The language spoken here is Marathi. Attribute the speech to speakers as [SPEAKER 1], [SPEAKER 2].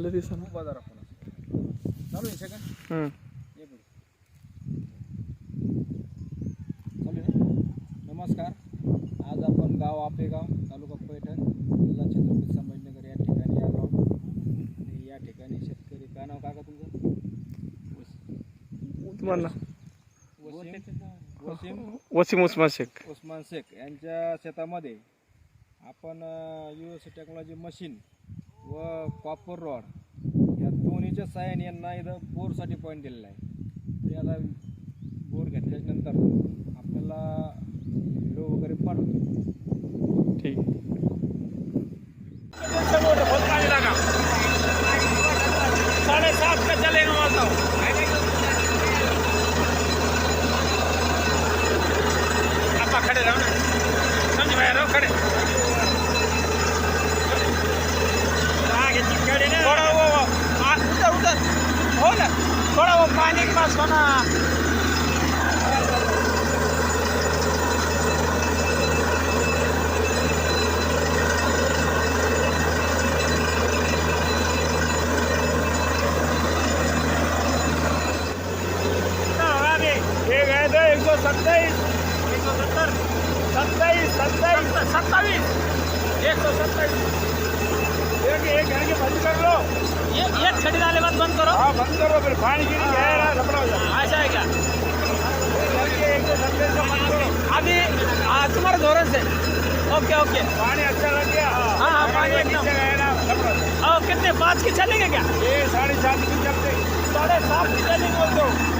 [SPEAKER 1] लय दिवसानं.
[SPEAKER 2] बाजार आपण चालू आहे सेकंड ये पुढे चालू आहे. नमस्कार, आज आपण गाव आपेगाव तालुका पैठण जिल्हा छत्रपती संभाजीनगर या ठिकाणी आलो. आणि या ठिकाणी शेतकरी, काय नाव काका तुमचं?
[SPEAKER 1] तुम्हाला
[SPEAKER 2] वसीम
[SPEAKER 1] उस्मान शेख.
[SPEAKER 2] उस्मान शेख यांच्या शेतामध्ये आपण USC टेक्नॉलॉजी मशीन व कॉपर रॉड या दोन्हीच्या साहाय्याने यांना इथं बोरसाठी पॉईंट दिलेला आहे. ते आता बोर घेतल्यानंतर आपल्याला व्हिडिओ वगैरे पाठवतो.
[SPEAKER 1] ठीक.
[SPEAKER 2] 7:30 का चलेगा बोलता हूँ. आप खड़े रहो ना, समझ में रहो, खड़े आगे खड़े ना. थोड़ा वो उधर हो ना, थोड़ा वो पानी के पास हो ना. ये गए थे 127, 170, 27, 27, 127. एक घर के बंद कर लो. ये छड़ी डाले बाद बंद करो. हाँ बंद करो, फिर पानी गिरी जाएगा, लपड़ा हो जाएगा. ऐसा है क्या? घर के 170 से बंद करो. अभी तुम्हारे धोरण से. Okay okay. पानी अच्छा लग गया. हाँ हाँ पानी एकदम गया ना, लपड़ा. कितने 5 की चलेंगे क्या? ये 7:30 की चलते. 7:30 की चलेंगे बोल दो.